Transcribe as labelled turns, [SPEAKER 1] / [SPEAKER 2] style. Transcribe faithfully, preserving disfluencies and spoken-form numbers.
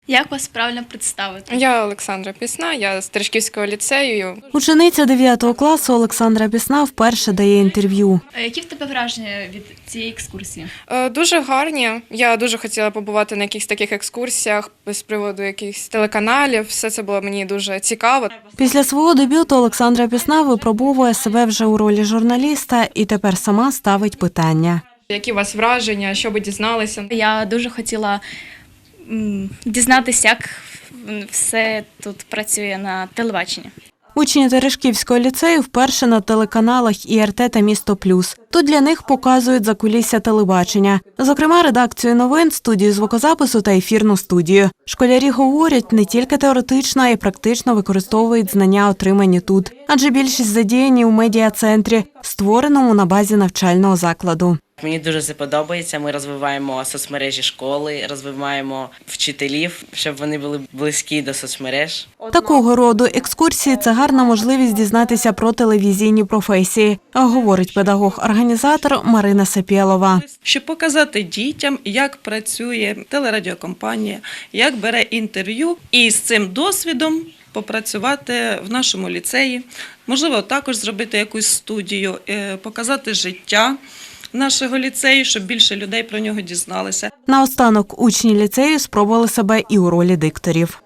[SPEAKER 1] Як вас правильно представити?
[SPEAKER 2] Я Олександра Пісна, я з Терешківського ліцею.
[SPEAKER 3] Учениця дев'ятого класу Олександра Пісна вперше дає інтерв'ю.
[SPEAKER 1] А які в тебе враження від цієї екскурсії?
[SPEAKER 2] Е, Дуже гарні. Я дуже хотіла побувати на якихось таких екскурсіях з приводу якихось телеканалів. Все це було мені дуже цікаво.
[SPEAKER 3] Після свого дебюту Олександра Пісна випробовує себе вже у ролі журналіста і тепер сама ставить питання.
[SPEAKER 2] Які у вас враження, що ви дізналися?
[SPEAKER 1] Я дуже хотіла м, дізнатися, як все тут працює на телебаченні.
[SPEAKER 3] Учні Терешківського ліцею вперше на телеканалах І Р Т та «Місто Плюс». Тут для них показують закулісся телебачення. Зокрема, редакцію новин, студію звукозапису та ефірну студію. Школярі говорять, не тільки теоретично, а й практично використовують знання, отримані тут. Адже більшість задіяні у медіа-центрі, створеному на базі навчального закладу.
[SPEAKER 4] Мені дуже це подобається. Ми розвиваємо соцмережі школи, розвиваємо вчителів, щоб вони були близькі до соцмереж.
[SPEAKER 3] Такого роду екскурсії – це гарна можливість дізнатися про телевізійні професії, говорить педагог-організатор Марина Сапєлова.
[SPEAKER 5] Щоб показати дітям, як працює телерадіокомпанія, як бере інтерв'ю, і з цим досвідом попрацювати в нашому ліцеї. Можливо, також зробити якусь студію, показати життя нашого ліцею, щоб більше людей про нього дізналися.
[SPEAKER 3] Наостанок учні ліцею спробували себе і у ролі дикторів.